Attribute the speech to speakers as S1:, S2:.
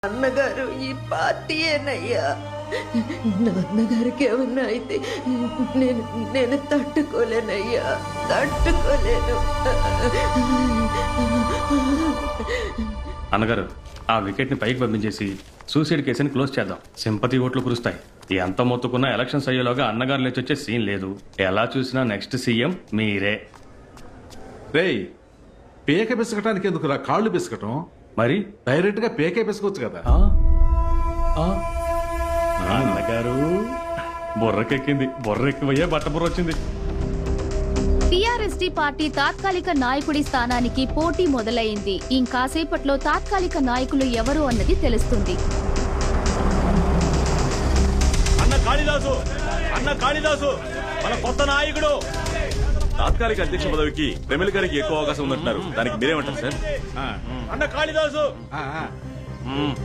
S1: అన్నగారు ఈ పార్టీయేనయ్యా. నాన్నగారికి ఏమన్నా అయితే నేను నేను తట్టుకోలేనయ్యా, తట్టుకోలేను.
S2: అన్నగారు, ఆ వికెట్ ని పైకి పంపించేసి సూసైడ్ కేసుని క్లోజ్ చేద్దాం. సింపతి ఓట్లు కురుస్తాయి. ఎంత మొత్తుకున్నా ఎలక్షన్స్ అయ్యేలోగా అన్నగారు లేచి వచ్చే సీన్ లేదు. ఎలా చూసినా నెక్స్ట్ సీఎం మీరే.
S3: రేయ్, పేక పిసకటానికి ఎందుకురా కాళ్ళు పిసకటం?
S2: మరి
S3: డైరెక్ట్ గా పేకే పిసకొచ్చు కదా.
S2: అన్నగారు బుర్రకెక్కింది. బుర్ర ఎక్కువయ్యే బట్ట బుర్ర వచ్చింది.
S4: టీఆర్ఎస్డీ పార్టీ తాత్కాలిక నాయకుడి స్థానానికి పోటీ మొదలైంది. ఇంకాసేపట్లో తాత్కాలిక నాయకులు ఎవరు అన్నది తెలుస్తుంది.
S5: అన్న కాళిదాసు మన కొత్త నాయకుడు. తాత్కాలిక అధ్యక్ష పదవికి రెమెల్ గారికి ఎక్కువ అవకాశం ఉందంటున్నారు. దానికి మీరేమంటారు సార్?
S3: ఆ,
S5: అన్న కాళిదాసు
S3: ఆ, ఆ.